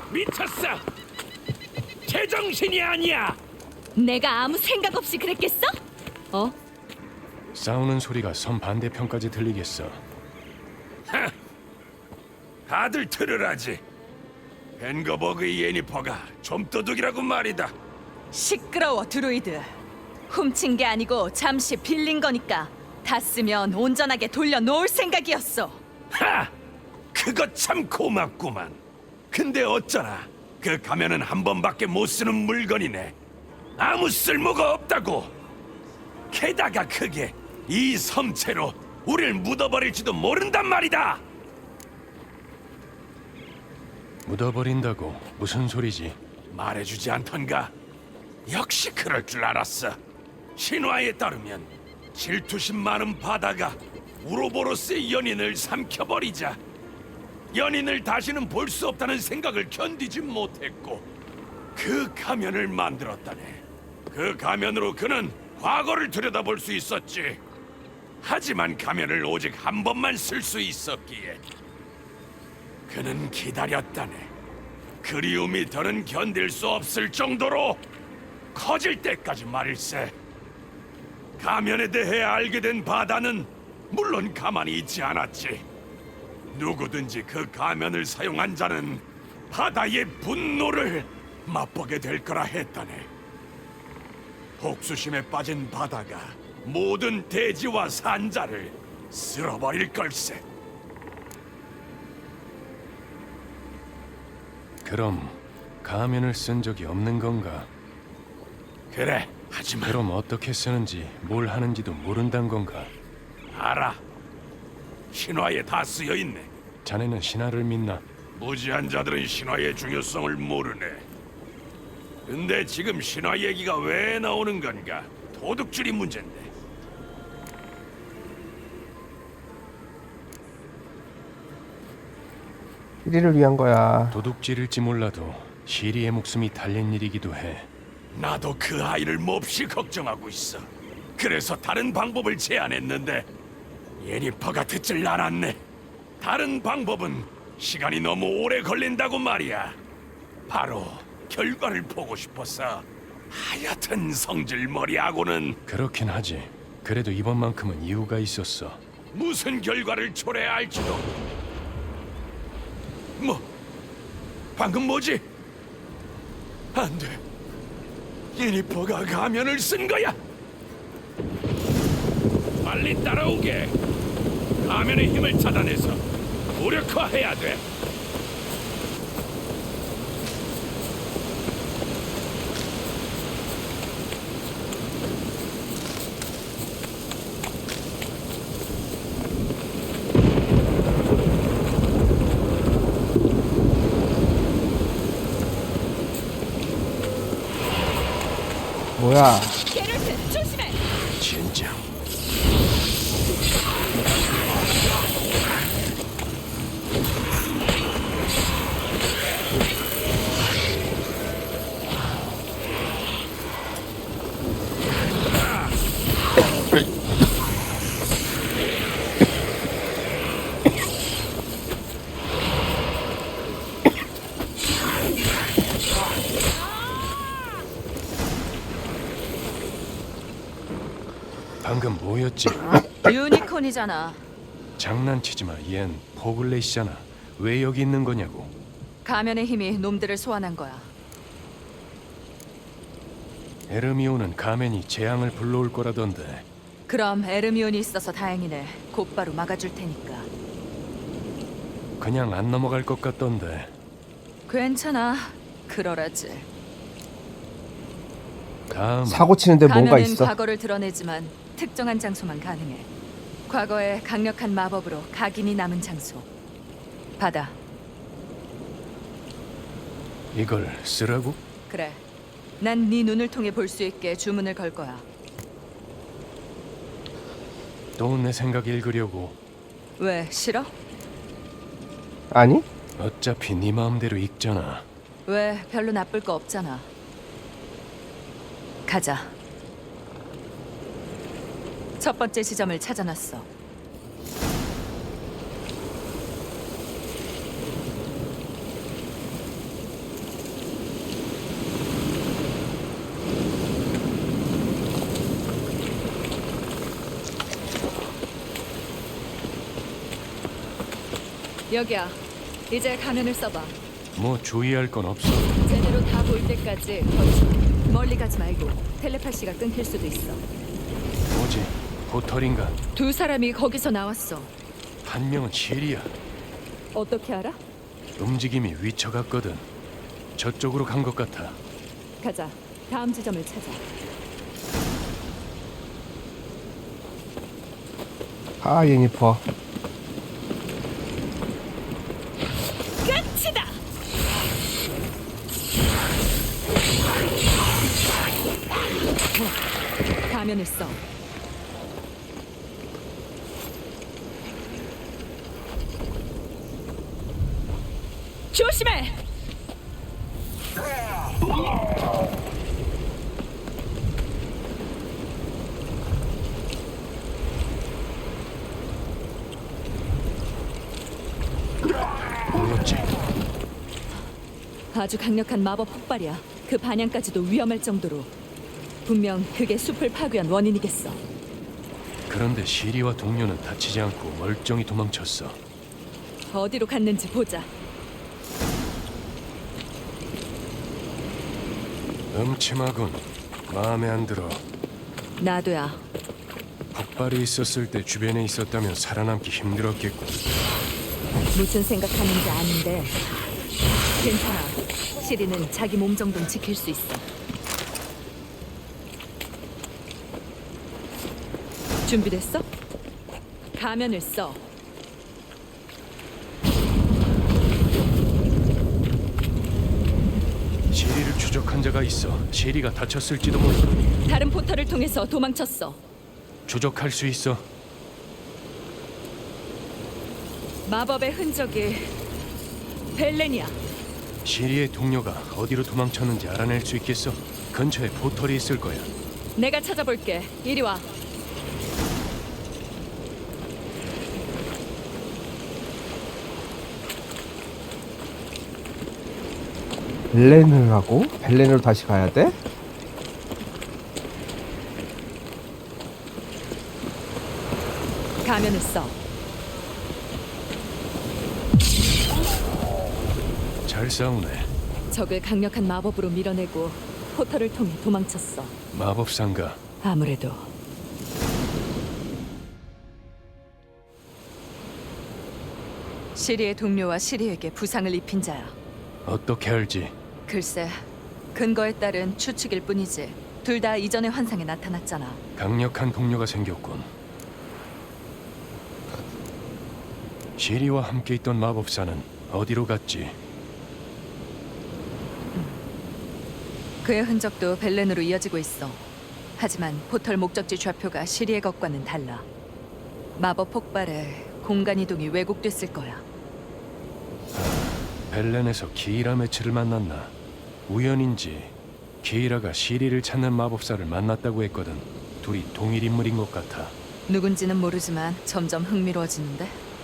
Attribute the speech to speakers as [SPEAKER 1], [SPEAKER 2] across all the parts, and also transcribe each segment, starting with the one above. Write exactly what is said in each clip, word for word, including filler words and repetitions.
[SPEAKER 1] 미쳤어. 제정신이 아니야.
[SPEAKER 2] 내가 아무 생각 없이 그랬겠어? 어?
[SPEAKER 3] 싸우는 소리가 섬 반대편까지 들리겠어.
[SPEAKER 1] 하, 다들 들으라지. 벤거버그의 예니퍼가 좀도둑이라고 말이다.
[SPEAKER 2] 시끄러워 드루이드. 훔친 게 아니고 잠시 빌린 거니까 다 쓰면 온전하게 돌려놓을 생각이었어.
[SPEAKER 1] 하! 그거 참 고맙구만. 근데 어쩌나 그 가면은 한 번밖에 못 쓰는 물건이네. 아무 쓸모가 없다고. 게다가 그게 이 섬채로 우릴 묻어버릴지도 모른단 말이다.
[SPEAKER 3] 묻어버린다고 무슨 소리지?
[SPEAKER 1] 말해주지 않던가? 역시 그럴 줄 알았어. 신화에 따르면 질투심 많은 바다가 우로보로스의 연인을 삼켜버리자 연인을 다시는 볼 수 없다는 생각을 견디지 못했고 그 가면을 만들었다네. 그 가면으로 그는 과거를 들여다볼 수 있었지. 하지만 가면을 오직 한 번만 쓸 수 있었기에 그는 기다렸다네. 그리움이 더는 견딜 수 없을 정도로 커질 때까지 말일세. 가면에 대해 알게 된 바다는 물론 가만히 있지 않았지. 누구든지 그 가면을 사용한 자는 바다의 분노를 맛보게 될 거라 했다네. 복수심에 빠진 바다가 모든 대지와 산자를 쓸어버릴 걸세.
[SPEAKER 3] 그럼 가면을 쓴 적이 없는 건가?
[SPEAKER 1] 그래, 하지만
[SPEAKER 3] 그럼 어떻게 쓰는지 뭘 하는지도 모른단 건가?
[SPEAKER 1] 알아. 신화에 다 쓰여 있네.
[SPEAKER 3] 자네는 신화를 믿나?
[SPEAKER 1] 무지한 자들은 신화의 중요성을 모르네. 근데 지금 신화 얘기가 왜 나오는 건가? 도둑질이 문제인데.
[SPEAKER 4] 시리를 위한 거야.
[SPEAKER 3] 도둑질일지 몰라도 시리의 목숨이 달린 일이기도 해.
[SPEAKER 1] 나도 그 아이를 몹시 걱정하고 있어. 그래서 다른 방법을 제안했는데 예니퍼가 듣질 않았네. 다른 방법은 시간이 너무 오래 걸린다고 말이야. 바로 결과를 보고 싶어서. 하여튼 성질머리하고는
[SPEAKER 3] 그렇긴 하지. 그래도 이번만큼은 이유가 있었어.
[SPEAKER 1] 무슨 결과를 초래해야 할지도. 뭐? 방금 뭐지? 안 돼. 예니퍼가 가면을 쓴 거야. 빨리 따라오게. 가면의 힘을 차단해서 무력화해야 돼.
[SPEAKER 4] 뭐야?
[SPEAKER 2] 게롤트 조심해.
[SPEAKER 3] 진짜. 방금 뭐였지?
[SPEAKER 2] 유니콘이잖아.
[SPEAKER 3] 장난치지 마. 얜 포글렛이잖아. 왜 여기 있는 거냐고.
[SPEAKER 2] 가면의 힘이 놈들을 소환한 거야.
[SPEAKER 3] 에르미온은 가면이 재앙을 불러올 거라던데.
[SPEAKER 2] 그럼 에르미온이 있어서 다행이네. 곧바로 막아줄 테니까.
[SPEAKER 3] 그냥 안 넘어갈 것 같던데.
[SPEAKER 2] 괜찮아. 그러라지.
[SPEAKER 3] 다음
[SPEAKER 4] 사고 치는데 뭔가
[SPEAKER 2] 가면은
[SPEAKER 4] 있어.
[SPEAKER 2] 과거를 드러내지만 특정한 장소만 가능해. 과거에 강력한 마법으로 각인이 남은 장소. 받아.
[SPEAKER 3] 이걸 쓰라고?
[SPEAKER 2] 그래. 난 네 눈을 통해 볼 수 있게 주문을 걸 거야.
[SPEAKER 3] 또 내 생각 읽으려고.
[SPEAKER 2] 왜 싫어?
[SPEAKER 4] 아니?
[SPEAKER 3] 어차피 네 마음대로 읽잖아.
[SPEAKER 2] 왜 별로 나쁠 거 없잖아. 가자. 첫 번째 지점을 찾아놨어. 여기야. 이제 가면을 써봐.
[SPEAKER 3] 뭐 주의할 건 없어.
[SPEAKER 2] 제대로 다 보일 때까지 버텨. 멀리 가지 말고 텔레파시가 끊길 수도 있어.
[SPEAKER 3] 뭐지? 포털인가?
[SPEAKER 2] 두 사람이 거기서 나왔어.
[SPEAKER 3] 한 명은 실이야.
[SPEAKER 2] 어떻게 알아?
[SPEAKER 3] 움직임이 위쳐갔거든. 저쪽으로 간 것 같아.
[SPEAKER 2] 가자. 다음 지점을 찾아.
[SPEAKER 4] 아 예니퍼.
[SPEAKER 2] 끝이다. 가면을 써. 조심해.
[SPEAKER 3] 뭐였지?
[SPEAKER 2] 아주 강력한 마법 폭발이야. 그 반향까지도 위험할 정도로. 분명 그게 숲을 파괴한 원인이겠어.
[SPEAKER 3] 그런데 시리와 동료는 다치지 않고 멀쩡히 도망쳤어.
[SPEAKER 2] 어디로 갔는지 보자.
[SPEAKER 3] 음침하군. 마음에 안 들어.
[SPEAKER 2] 나도야.
[SPEAKER 3] 폭발이 있었을 때 주변에 있었다면 살아남기 힘들었겠고.
[SPEAKER 2] 무슨 생각하는지 아는데 괜찮아. 시리는 자기 몸 정도는 지킬 수 있어. 준비됐어? 가면을 써.
[SPEAKER 3] 시리를 추적한 자가 있어. 시리가 다쳤을지도 몰라.
[SPEAKER 2] 다른 포털을 통해서 도망쳤어.
[SPEAKER 3] 추적할 수 있어.
[SPEAKER 2] 마법의 흔적이 벨렌이야.
[SPEAKER 3] 시리의 동료가 어디로 도망쳤는지 알아낼 수 있겠어? 근처에 포털이 있을 거야.
[SPEAKER 2] 내가 찾아볼게. 이리 와.
[SPEAKER 4] 벨렌을 하고 벨렌으로 다시 가야 돼?
[SPEAKER 2] 가면을 써.
[SPEAKER 3] 잘 싸우네.
[SPEAKER 2] 적을 강력한 마법으로 밀어내고 포털을 통해 도망쳤어.
[SPEAKER 3] 마법사인가?
[SPEAKER 2] 아무래도. 시리의 동료와 시리에게 부상을 입힌 자야.
[SPEAKER 3] 어떻게 알지?
[SPEAKER 2] 글쎄, 근거에 따른 추측일 뿐이지. 둘 다 이전의 환상에 나타났잖아.
[SPEAKER 3] 강력한 동료가 생겼군. 시리와 함께 있던 마법사는 어디로 갔지?
[SPEAKER 2] 그의 흔적도 벨렌으로 이어지고 있어. 하지만 포털 목적지 좌표가 시리의 것과는 달라. 마법 폭발에 공간 이동이 왜곡됐을 거야.
[SPEAKER 3] 벨렌에서 기이라 매치를 만났나? 우연인지 기이라가 시리를 찾는 마법사를 만났다고 했거든. 둘이 동일 인물인 것 같아.
[SPEAKER 2] 누군지는 모르지만 점점 흥미로워지는데.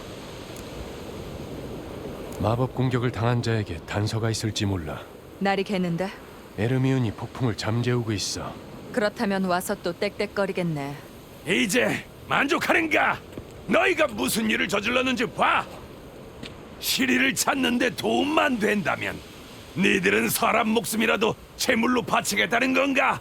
[SPEAKER 3] 마법 공격을 당한 자에게 단서가 있을지 몰라.
[SPEAKER 2] 날이 개는데.
[SPEAKER 3] 에르미온이 폭풍을 잠재우고 있어.
[SPEAKER 2] 그렇다면 와서 또 땡땡거리겠네.
[SPEAKER 1] 이제 만족하는가? 너희가 무슨 일을 저질렀는지 봐. 시리를 찾는데 도움만 된다면 니들은 사람 목숨이라도 제물로 바치겠다는 건가?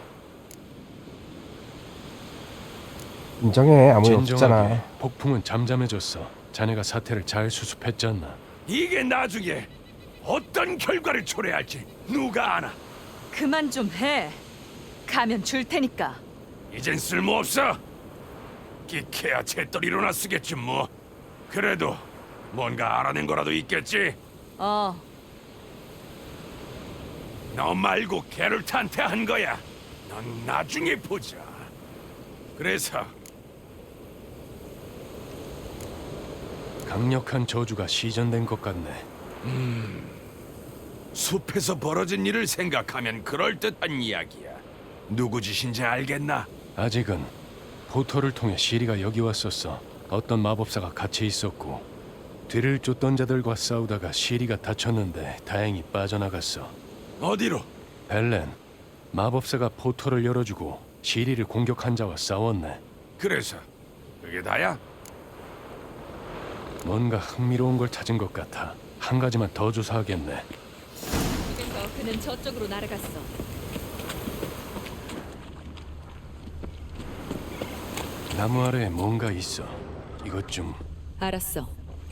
[SPEAKER 4] 인정해. 아무 일
[SPEAKER 3] 진정하게
[SPEAKER 4] 없잖아.
[SPEAKER 3] 폭풍은 잠잠해졌어. 자네가 사태를 잘 수습했지 않나?
[SPEAKER 1] 이게 나중에 어떤 결과를 초래할지 누가 아나?
[SPEAKER 2] 그만 좀 해. 가면 줄 테니까.
[SPEAKER 1] 이젠 쓸모없어. 끼케야 채떨이로나 쓰겠지 뭐. 그래도 뭔가 알아낸 거라도 있겠지.
[SPEAKER 2] 어,
[SPEAKER 1] 너 말고 게롤트한테 한 거야. 넌 나중에 보자. 그래서
[SPEAKER 3] 강력한 저주가 시전된 것 같네.
[SPEAKER 1] 숲에서 벌어진 일을 생각하면 그럴듯한 이야기야. 누구 짓인지 알겠나?
[SPEAKER 3] 아직은 포털을 통해 시리가 여기 왔었어. 어떤 마법사가 같이 있었고 뒤를 쫓던 자들과 싸우다가 시리가 다쳤는데 다행히 빠져나갔어.
[SPEAKER 1] 어디로?
[SPEAKER 3] 벨렌, 마법사가 포털을 열어주고 시리를 공격한 자와 싸웠네.
[SPEAKER 1] 그래서 그게 다야?
[SPEAKER 3] 뭔가 흥미로운 걸 찾은 것 같아. 한 가지만 더 조사하겠네.
[SPEAKER 2] 그래서 그는 저쪽으로 날아갔어.
[SPEAKER 3] 나무 아래에 뭔가 있어. 이것 좀
[SPEAKER 2] 알았어.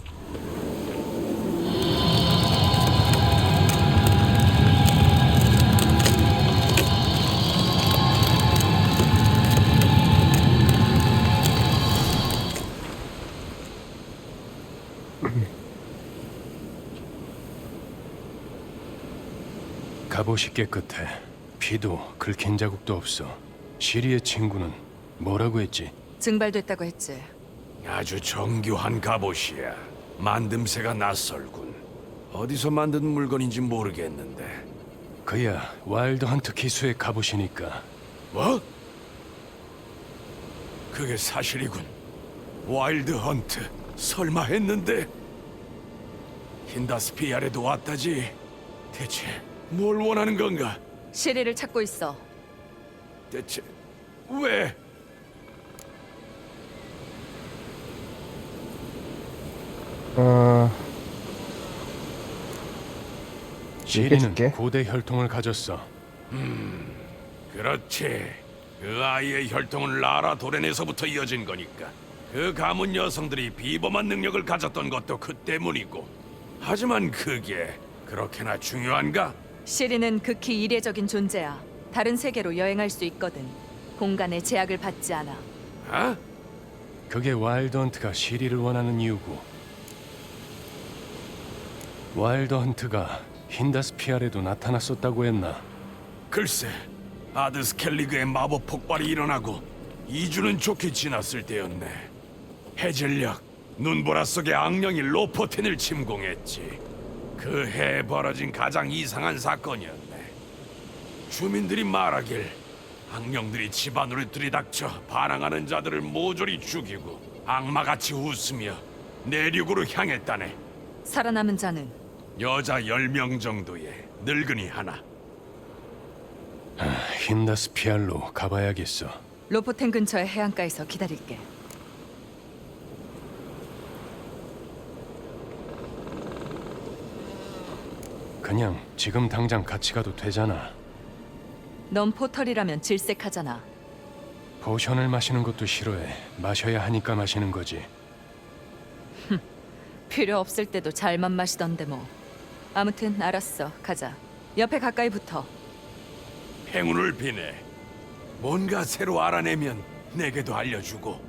[SPEAKER 3] 갑옷이 깨끗해. 피도 긁힌 자국도 없어. 시리의 친구는 뭐라고 했지?
[SPEAKER 2] 증발됐다고 했지.
[SPEAKER 1] 아주 정교한 갑옷이야. 만듦새가 낯설군. 어디서 만든 물건인지 모르겠는데.
[SPEAKER 3] 그야 와일드 헌트 기수의 갑옷이니까.
[SPEAKER 1] 뭐? 그게 사실이군. 와일드 헌트 설마 했는데 힌다스피아레도 왔다지. 대체 뭘 원하는 건가?
[SPEAKER 2] 시리를 찾고 있어.
[SPEAKER 1] 대체 왜?
[SPEAKER 4] 어,
[SPEAKER 3] 시리는
[SPEAKER 4] 얘기해줄게.
[SPEAKER 3] 고대 혈통을 가졌어.
[SPEAKER 1] 그렇지. 그 아이의 혈통은 라라 도렌에서부터 이어진 거니까. 그 가문 여성들이 비범한 능력을 가졌던 것도 그 때문이고. 하지만 그게 그렇게나 중요한가?
[SPEAKER 2] 시리는 극히 이례적인 존재야. 다른 세계로 여행할 수 있거든. 공간의 제약을 받지 않아.
[SPEAKER 1] 아?
[SPEAKER 3] 그게 와일드 헌트가 시리를 원하는 이유고. 와일드 헌트가 힌다스피아레도 나타났었다고 했나?
[SPEAKER 1] 글쎄, 아드스켈리그의 마법 폭발이 일어나고 이 주는 좋게 지났을 때였네. 해질녘 눈보라 속의 악령이 로포텐을 침공했지. 그 해에 벌어진 가장 이상한 사건이었네. 주민들이 말하길 악령들이 집안으로 들이닥쳐 반항하는 자들을 모조리 죽이고 악마같이 웃으며 내륙으로 향했다네.
[SPEAKER 2] 살아남은 자는
[SPEAKER 1] 여자 열 명 정도의 늙은이 하나.
[SPEAKER 3] 힌다스피알로 가봐야겠어.
[SPEAKER 2] 로포텐 근처의 해안가에서 기다릴게.
[SPEAKER 3] 그냥 지금 당장 같이 가도 되잖아.
[SPEAKER 2] 넌 포털이라면 질색하잖아.
[SPEAKER 3] 포션을 마시는 것도 싫어해. 마셔야 하니까 마시는 거지.
[SPEAKER 2] 필요 없을 때도 잘만 마시던데 뭐. 아무튼 알았어. 가자. 옆에 가까이 붙어.
[SPEAKER 1] 행운을 비네. 뭔가 새로 알아내면 내게도 알려주고.